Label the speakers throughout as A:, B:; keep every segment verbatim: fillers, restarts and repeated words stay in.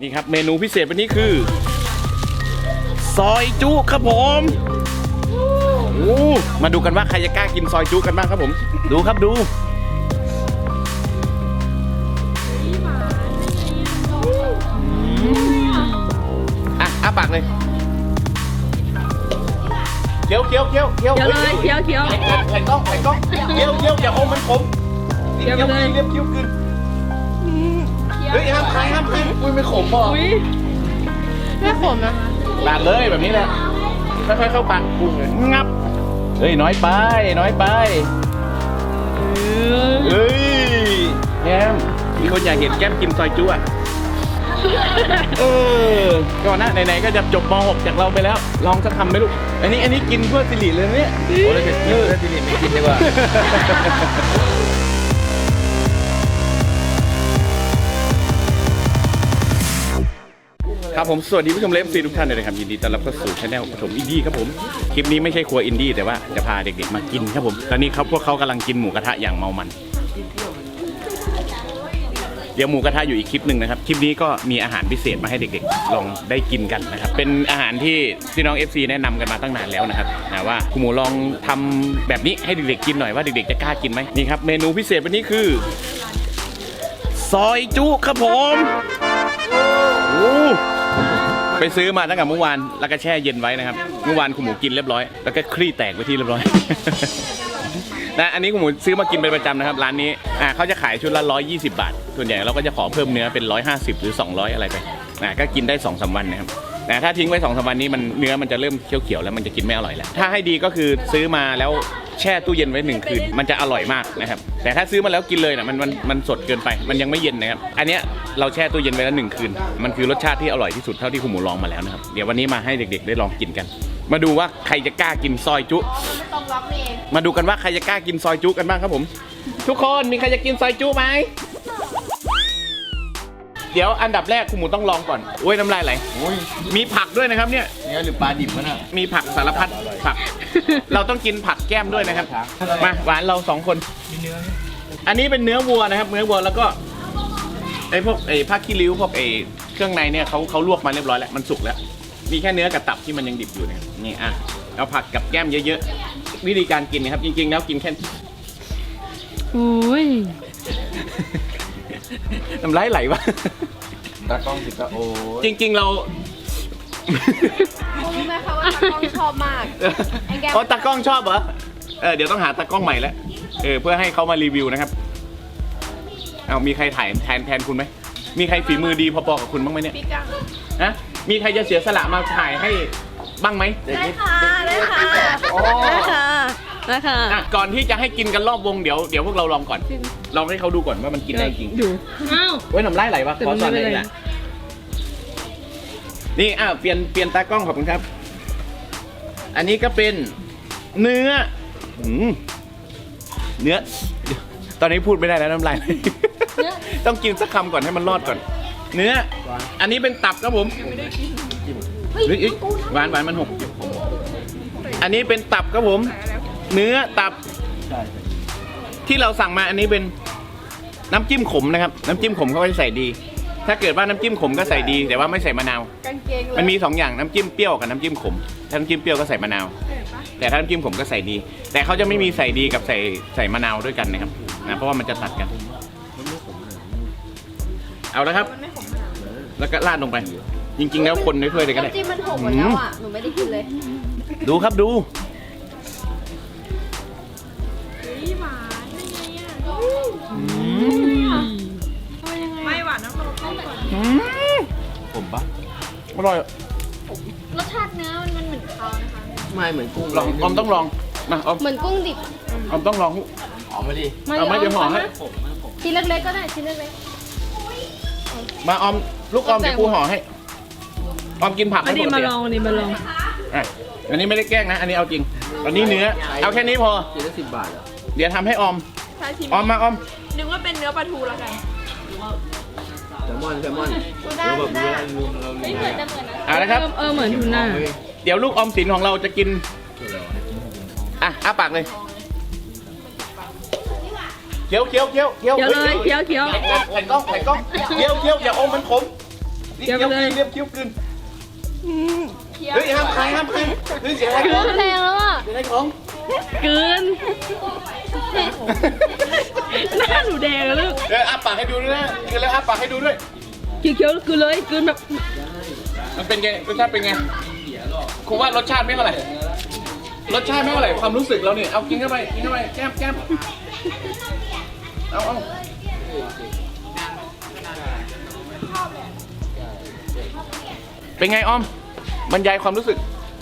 A: นี่ครับเมนูพิเศษวันนี้คือซอยจุครับผมโอ้มาดูกันว่าใครจะกล้ากินซอยจุกันบ้างครับผมดูครับดูอ่ะอ้าปากเลยเคี้ยวเคี้ยวเคี้ยวเคี้ยว
B: เคี้ยวเลยเคี้ยวเคี้ยว
A: ไข่กล้องไข่กล้องเคี้ยวเคี้ยวอย่าอมมันขมเคี้ยวเลยเรียบเคี้ยวขึ้นเฮ้ยห้ามใครห้ามใครอุ้ยไม่ขมป่ะ
B: อุ้ยไม่ขมนะ
A: ปาดเลยแบบนี้แหละค่อยๆเข้าปากกุ้งเลยงับเฮ้ยน้อยไปน้อยไปเฮ้ยแก้มมีคนอยากเห็นแก้มกินซอยจุ๊อ่ะเออก่อนหน้าไหนๆก็จะจบม หกจากเราไปแล้วลองสักคำไหมลูกอันนี้อันนี้กินเพื่อสิริเลยเนี่ยโอ้ยจะกินเพื่อสิริไม่กินดีกว่าครับผมสวัสดีผู้ชมเลฟซีทุกท่านเลยนะครับยินดีต้อนรับเข้าสู่ช anel ปฐมอินดี้ครับผมคลิปนี้ไม่ใช่ครัวอินดี้แต่ว่าจะพาเด็กๆมากินครับผมตอนนี้เขาพวกเขากำลังกินหมูกระทะอย่างเมามันเดี๋ยวหมูกระทะอยู่อีกคลิปหนึ่งนะครับคลิปนี้ก็มีอาหารพิเศษมาให้เด็กๆลองได้กินกันนะครับเป็นอาหารที่พี่น้อง เอฟ ซี แนะนำกันมาตั้งนานแล้วนะครับนะว่าคุณหมูลองทำแบบนี้ให้เด็กๆกินหน่อยว่าเด็กๆจะกล้ากินไหมนี่ครับเมนูพิเศษวันนี้คือซอยจุครับผมโอ้ไปซื้อมาตั้งแต่เมื่อวานแล้วก็แช่เย็นไว้นะครับเมื่อวานคุณหมูกินเรียบร้อยแล้วก็คลี่แตกไปที่เรียบร้อยนะอันนี้คุณหมูซื้อมากินเป็นประจำนะครับร้านนี้อ่าเขาจะขายชุดละหนึ่งร้อยยี่สิบบาทส่วนใหญ่เราก็จะขอเพิ่มเนื้อเป็นหนึ่งร้อยห้าสิบหรือสองร้อยอะไรไปนะก็กินได้ สองสาม วันนะครับแต่ถ้าทิ้งไว้ สองสาม วันนี้มันเนื้อมันจะเริ่มเขียวๆแล้วมันจะกินไม่อร่อยแล้วถ้าให้ดีก็คือซื้อมาแล้วแช่ตู้เย็นไว้หนึ่งคืนมันจะอร่อยมากนะครับแต่ถ้าซื้อมาแล้วกินเลยนะมันมันมันสดเกินไปมันยังไม่เย็นนะครับอันเนี้ยเราแช่ตู้เย็นไว้แล้วหนึ่งคืนมันคือรสชาติที่อร่อยที่สุดเท่าที่คุณหมูลองมาแล้วนะครับเดี๋ยววันนี้มาให้เด็กๆได้ลองกินกันมาดูว่าใครจะกล้ากินซอยจุมาดูกันว่าใครจะกล้ากินซอยจุกันบ้างครับผมทุกคนมีใครจะกินซอยจุไหมเดี๋ยวอันดับแรกคุณหมูต้องลองก่อนโอ้ยน้ำลายไหลมีผักด้วยนะครับเนี่ยเนื้อหรือปลาดิบมันอ่ะมีผักสารพัดผักเราต้องกินผักแก้มด้วยนะครับมาหวานเราสองคนอันนี้เป็นเนื้อวัวนะครับเนื้อวัวแล้วก็ไอ้พวกไอ้ผ้าขี้ริ้วพวกไอ้เครื่องในเนี่ยเขาเขาลวกมาเรียบร้อยแล้วมันสุกแล้วมีแค่เนื้อกับตับที่มันยังดิบอยู่นะครับนี่อ่ะเอาผักกับแก้มเยอะๆวิธีการกินนะครับจริงๆแล้วกินแค่
B: อุ้ย
A: น้ำลายไหลวะ
C: ตากล้องสิตาโอ
A: จริงๆเรา
D: รู้ไหมคะว่าตากล้องชอบมาก
A: อ๋อตากล้องชอบเหรอเออเดี๋ยวต้องหาตากล้องใหม่แล้วเออเพื่อให้เขามารีวิวนะครับเอามีใครถ่ายแทนแทนคุณไหมมีใครฝีมือดีพอๆกับคุณบ้างไหมเนี่ยฮะมีใครจะเสียสละมาถ่ายให้บ้างไหม
D: ได้ค่ะได้ค่ะได้ค่ะได้ค่ะ
A: ก่อนที่จะให้กินกันรอบวงเดี๋ยวเดี๋ยวพวกเราลองก่อนลองให้เขาดูก่อนว่ามันกินได้จริง
B: ดูอ้าว
A: เว้ยน้ำลายไหลวะขอสอนหน่อยนะนี่อ้าวเปลี่ยนเปลี่ยนตากล้องขอบคุณครับอันนี้ก็เป็นเนื้อเนื้อตอนนี้พูดไม่ได้แล้วน้ำลายต้องกินสักคำก่อนให้มันรอดก่อนเนื้ออันนี้เป็นตับครับผมหวานหวานมันหกอันนี้เป็นตับครับผมเนื้อตับที่เราสั่งมาอันนี้เป็นน้ำจิ้มขมนะครับน้ำจิ้มขมเขาจะใส่ดีถ้าเกิดว่าน้ำจิ้มขมก็ใส่ดีแต่ว่าไม่ใส่มะนาวมันมีสองอย่างน้ำจิ้มเปรี้ยวกับน้ำจิ้มขมถ้าน้ำจิ้มเปรี้ยวก็ใส่มะนาวแต่ถ้าน้ำจิ้มขมก็ใส่ดีแต่เขาจะไม่มีใส่ดีกับใส่ใส่มะนาวด้วยกันนะครับนะเพราะว่ามันจะตัดกันเอาแล้วครับแล้วก็ราดลงไปจริงๆแล้วคนในถ้วยเลยก็ได้
D: น้ำจิ้มมันหกหมดแล้วอ่ะหนูไม่ได้กินเลย
A: ดูครับดู
B: ไม่หวานน้ำมัน
A: ผมปะอร่อย
D: รสชาติเนื้อมันมันเหมือนเขานะคะ
C: ไม่เหมือนกุ้ง
A: ลองออมต้องลองมาออม
D: เหมือนกุ้งดิบ
A: ออมต้องลอง
C: หอมมาดิ
A: เอาไม่เดี๋ยวห่อให้
D: ชิ้นเล็กๆก็ได้ชิ้นเล็ก
A: ๆมาออมลูกออมเดี๋ยวกูห่อให้ออมกินผัก
B: อันนี้มาลองอันนี้มาลอง
A: อ่ะอันนี้ไม่ได้แกล้งนะอันนี้เอาจริงอันนี้เนื้อเอาแค่นี้พอ
C: กินได้สิบบาทเหรอ
A: เดี๋ยวทำให้ออมออมมาออม
B: นึกว่าเป็นเนื้อปลาทูแล้วกัน
C: แซลมอนแซลมอน
D: เราแบบนี้
C: เรา
D: ไม่เหมือนจะเหมือนนะ
A: เอาละครับ
B: เออเหมือนทูน่า
A: เดี๋ยวลูกออมสินของเราจะกินอ่ะอ้าปากเลยเคี้ยวเคี้ยวเคี้ยวเคี้ยว
B: เคี้ยวเลยเคี้ยวเคี้ยว
A: ไข่กล้องไข่กล้องเคี้ยวเคี้ยวอย่าอมมันขมเคี้ยวไปเลยเรียบเคี้ยวกลืนเฮ้ยห้ามใครห้ามใครเฮ้ยเสียอะไรของ
D: แรงแล้วอ่ะ
A: เสียอะไรของ
B: กลืนหน้าหนูแดงอะลูก
A: เดี๋ยวอ้าปากให้ดูด้วยนะกินแล้วอ้าปากให้ดูด้วย
B: เคี้ยวๆกลืนเลยกลืนแบบ
A: มันเป็นไงรสชาติเป็นไงครูว่ารสชาติไม่เท่าไหร่รสชาติไม่เท่าไหร่ความรู้สึกเราเนี่ยเอากินเข้าไปกินเข้าไปแก้มแก้มเอาเอาเป็นไงออมบรรยายความรู้สึก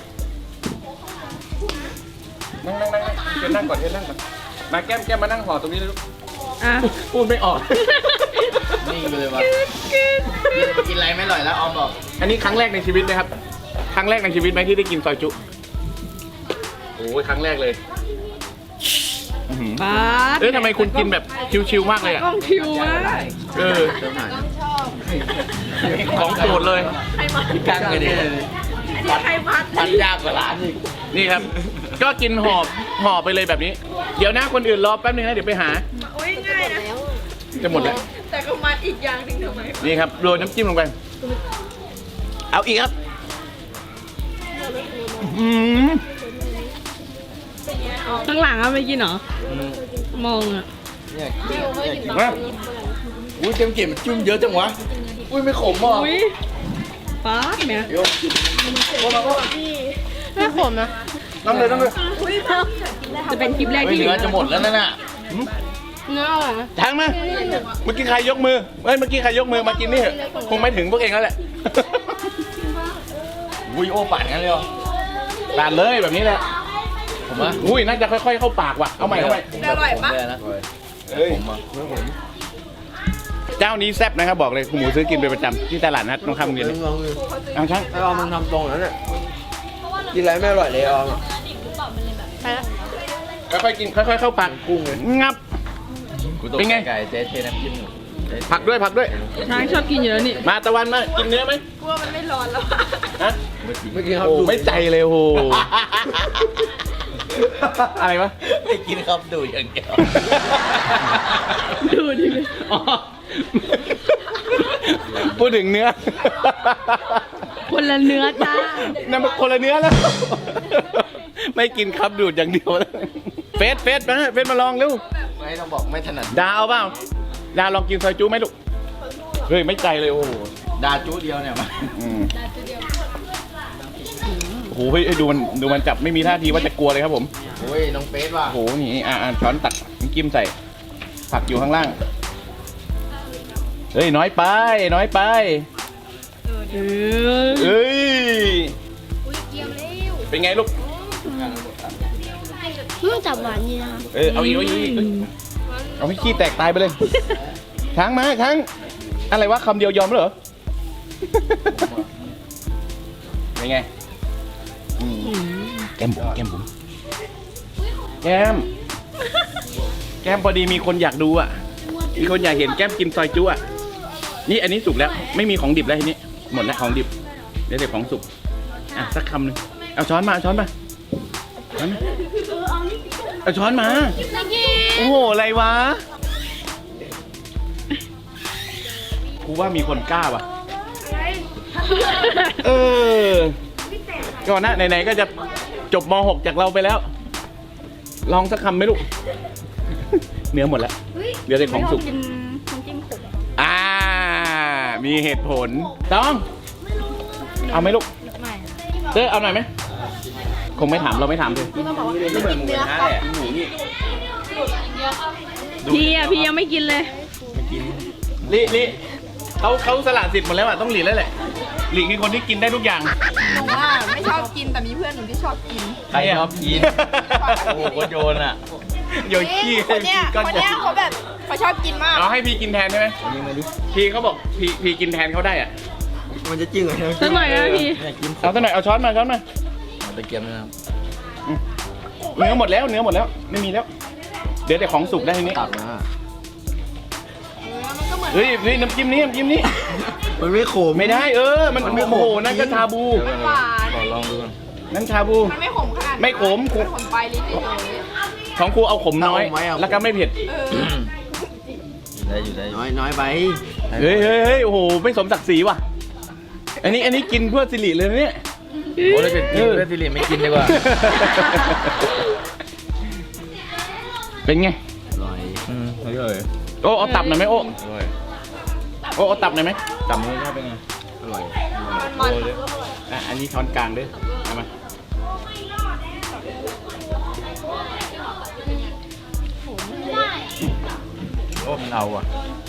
A: นั่งนั่งนั่งเชิญนั่งก่อนเชิญนั่งก่อนมาแก้มแก้มมานั่งห่อตรงนี้เลยลูก
B: อ่ะ
A: พูดไม่ออก
C: นิ่งไปเลยว่ะกินอะไรไม่อร่อยแล้วออมบอก
A: อันนี้ครั้งแรกในชีวิตนะครับ ครั้งแรกในชีวิตไหมที่ได้กินซอยจุโอ้ยครั้งแรกเลยอื้อหือ
B: ป๊าด
A: เอ้ยทำไมคุณกินแบบชิวๆมากเลยอ่ะ
B: กล้องคิวมาก
A: เออ
C: เติมหน่อย
A: ของโปรดเลย
C: กางเลยดิ
B: ใครพัด
C: มันยากกว่าร้านอีก
A: นี่ครับ ก็กินหอบห่อไปเลยแบบนี้ เดี๋ยวนะคนอื่นรอแป๊บนึงนะเดี๋ยวไปหา
B: โอ้ยง่ายนะ
A: จะหมดแล้ว
B: แต่ก็มาอีกอย่างหนึ่งทำไม
A: นี่ครับโรยน้ำจิ้มลงไป เอาอีกครับอืม
B: ข้างหลังอะไม่กินเหรอ มองอะ
C: เนี่ยเนี่ยกิน
A: มา
C: อุ้ยเต็มเก็บมันจุ่มเยอะจังวะอุ้ยไม่ขมอ่ะ
B: อุ้ยป๊าดเนี่ย
C: โยกโอ้มาก็
D: ไม่ขมนะ
A: น้ำเลยน้ำเลย
B: จะเป็นคลิปแรก
C: เฮ้ย
B: ที่
C: เนื้อจะหมดแล้วนั่นน่ะ
D: เนื้ออร่อยนะ
A: ทางมาเมื่อกี้ใครยกมือเฮ้ยเมื่อกี้ใครยกมือมากินนี่เหรอะคงไม่ถึงพวกเองแล้วแหละ
C: อุ้ยโอ้ปั่นกันเลยเหรอ
A: ลาดเลยแบบนี้แหละ
C: ผมว่า
A: อุ้ยน่าจะค่อยๆเข้าปากว่ะเอาใหม่เอาใหม่
C: อร่อยปะนะ
A: เฮ้ย
C: ผมอ่ะผม
A: เจ้านี้แซ่บนะครับบอกเลยคุณหมูซื้อกินเป็นประจำที่ตลาดนัดตรงข้ามโรงเรียนเลย
C: ลองดู
A: เอาช่าง
C: ไอ้ออมมันทำตรงนั้นน่ะกินอะไรไม่อร่อยเลยออม
D: ไปแล้ว
A: ค่อยๆกินค่อยๆเข้าปาก
C: กุ้งเลย
A: งับ เป็นไง
C: ไก่เจ๊เทน้ำจิ้มหนู
A: ผักด้วยผักด้วย
B: ช้างชอบกินอยู่แล้วนี่
A: มาตะวันมากินเนื้อไหม
B: กลัวมันไม่ร้อนแล้ว
A: ฮะ
C: เมื่อกี้ครับ
A: โอ้ไม่ใจเลยโอ้โหอะไรวะ
C: ไม่กินครับดูอย่างเดียว
B: ดูดิเลย
A: อ๋อพูดถึงเนื้อ
B: คนละเนื้อจ้า
A: นั่นมันคนละเนื้อแล้ว ไม่กินครับดูดอย่างเดียวแล้วเฟสเฟสมาเฟสมาลองเร็ว
C: ไม่ต้องบอกไม่ถนัด
A: ดาเอาเปล่าดาลองกินซอยจูไหมลูกเฮ้ยไม่ใจเลยโอ้โห
C: ดาจูเดียวเนี่ยมา
A: อืมโอ้โหเฮ้ยดูมันดูมันจับไม่มีท่าทีว่าจะกลัวเลยครับผม
C: โอ้ยน้องเฟสว่ะ
A: โอ้โหนี่อ่ะอ่ะช้อนตักน้ำจิ้มใส่ผักอยู่ข้างล่างเฮ้ยน้อยไปน้อยไป
B: เออ
A: เอ้ยเป็นไงลูก
D: อืมจับหวานดีนะคะ
A: เออเอาอีกเอาอีกเอาอีกเอ้ยเอาให้ขี้แตกตายไปเลยช้างมาช้างอะไรวะคำเดียวยอมแล้วเหรอ เป็นไงอืมแก้มบุ๋มแก้มบุ๋มแก้มแก้มพอดีมีคนอยากดูอ่ะมีคนอยากเห็นแก้มกินซอยจุ๊อ่ะนี่อันนี้สุกแล้วไม่มีของดิบแล้วทีนี้หมดแล้วของดิบเดี๋ยวแต่ของสุกอ่ะสักคำหนึ่งเอาช้อนมาเอาช้อนมาช้อนมาเอาช้อนมาโอ้โหอะไรวะกูว่ามีคนกล้าว่ะเออก่อนหน้าไหนๆก็จะจบม หก จากเราไปแล้ว ลองสักคำไหมลูก เนื้อหมดแล้วเดี๋ยวแต่ของสุก
D: กินน้ำจิ้มขม
A: อ่า มีเหตุผลต้องเอาไหมลูก
D: ไม่
A: เต้เอาหน่อยไหมคงไม่ถามเราไม่ถามเลย
D: ต้องบอกว่าไม่กินเนื้อครับ
A: หมูนี่
B: พี่อะพี่ยังไม่กินเลย
A: ลิลิเขาเขาสละสิทธิ์หมดแล้วอ่ะต้องหลีแล้วแหละหลีคือคนที่กินได้ทุกอย่าง
B: หนูว่าไม่ชอบกินแต่มีเพื่อนหนูที่ชอบกิน
C: ใครชอบกินโอ้โหโยนอ่ะ
A: โยนขี้
B: ค
A: ให้
B: นเนี้ย
A: กินก้อน
B: คน
A: ใหญ่
B: เนี้ยเขาแบบเขาชอบกินมาก
A: เอาให้พี่กินแทนใช่ไหม
C: อันนี้มาดิ
A: พี่เขาบอกพี่พี่กินแทนเขาได้อ่ะ
C: มันจะจริงเหรอ
B: สักหน่อยนะพี่
C: เนี่ยกิน
A: เอาสักหน่อยเอาช้อนมาช้อนมา
C: เอาตะเกียบนะครับ
A: เนื้อหมดแล้วเนื้อหมดแล้วไม่มีแล้ว เดี๋ยวแต่ของสุกได้ทีนี้
C: ตักมา
A: เฮ้ยเฮ้ยน้ำจิ้มนี้น้ำจิ้มนี้
C: มันไม่ขม
A: ไม่ได้เออ มันโอ้โหนั่นก็ชาบู
B: มันหวาน
C: ขอลองดูก่อน
A: นั่นชาบู
B: มันไม่ขมขนาดนั้น
A: ไม่ขม
B: มันขมไปลิ้นเลย
A: ของครูเอาขมน้อย แล้วก็ไม่เผ็ด
B: เออ
C: ได้อยู่ได้น้อยน้อยไป
A: เฮ้ยเฮ้ยเฮ้ยโอ้โหไม่สมศักดิ์ศรีว่ะอันนี้อันนี้กินเพื่อสิริเลยนะเนี่ย
C: โอ้แล้วจะกินเพื่อสิริไม่กินดีกว่า
A: เป็นไง
C: อร่อยอืมอร่อย
A: โอ้เอาตับหน่อยไหมโอ้
C: อร่อย
A: โอ้เอาตับหน่อยไหม
C: จำรสชาติเป็นไงอร่อย
B: มัน
A: อ่ะอันนี้ช้อนกลางด้วยเอามาโอ้มันเอาอ่ะ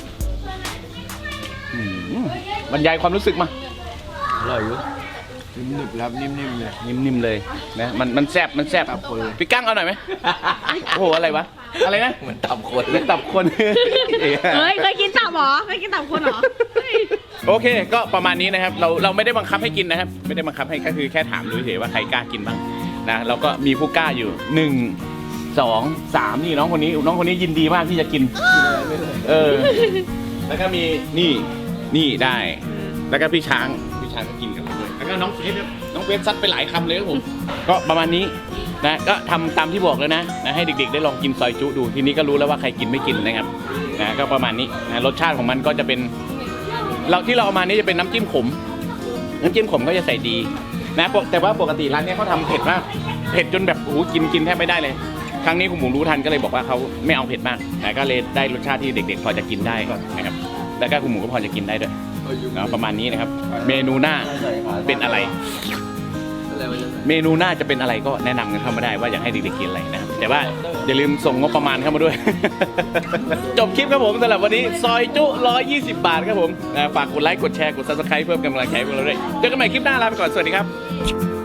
A: อืมบรรยายความรู้สึกมา
C: อร่อยอยู่นิ่มๆครับนิ่มๆเลย
A: นิ่มๆเลยนะมันมันแซ่บมันแซ่บ
C: ตับคนเลย
A: พี่กั้งเอาหน่อยไหมโอ้โหอะไรวะอะไรนะ
C: เหมือนตับคน
A: เหมือนตับคน
D: เฮ้ยเคยกินตับเหรอเคยกินตับคนเหรอเฮ้ย
A: โอเคก็ประมาณนี้นะครับเราเราไม่ได้บังคับให้กินนะครับ ไม่ได้บังคับให้ก็คือแค่ถามดูเฉยๆว่าใครกล้ากินบ้างนะเราก็มีผู้กล้าอยู่หนึ่งสองสามนี่น้องคนนี้น้องคนนี้ยินดีมากที่จะกินเออแล้วก็มีนี่นี่ได้ แล้วก็พี่ช้างพี่ช้างก็กินกับผมด้วยแล้วก็น้องเฟสครับน้องเฟสซัดไปหลายคำเลยครับผมก็ประมาณนี้นะก็ทำตามที่บอกแล้วนะนะให้เด็กๆได้ลองกินซอยจุดูทีนี้ก็รู้แล้วว่าใครกินไม่กินนะครับนะก็ประมาณนี้นะรสชาติของมันก็จะเป็นเราที่เราเอามานี่จะเป็นน้ำจิ้มขมน้ำจิ้มขมก็จะใส่ดีนะปกแต่ว่าปกติร้านเนี้ยเขาทำเผ็ดมากเผ็ดจนแบบโอ้โหกินกินแทบไม่ได้เลยครั้งนี้คุณหมูรู้ทันก็เลยบอกว่าเขาไม่เอาเผ็ดมากนะก็เลยได้รสชาติที่เด็กๆพอจะกินได้นะครับแล้วก็คุณหมูก็พอจะกินได้ด้วยนะประมาณนี้นะครับเมนูหน้าเป็นอะไร เมนูหน้าจะเป็นอะไรก็แนะนำกันเข้ามาได้ว่าอยากให้เด็กๆกินอะไรนะครับแต่ว่าอย่าลืมส่งงบประมาณเข้ามาด้วย จบคลิปครับผมสำหรับวันนี้ซอยจุหนึ่งร้อยยี่สิบบาทครับผมนะฝากกดไลค์กดแชร์กด ซับสไครบ์ เพิ่มกำลังใจให้พวกเราด้วยเจอกันใหม่คลิปหน้าลาไปก่อนสวัสดีครับ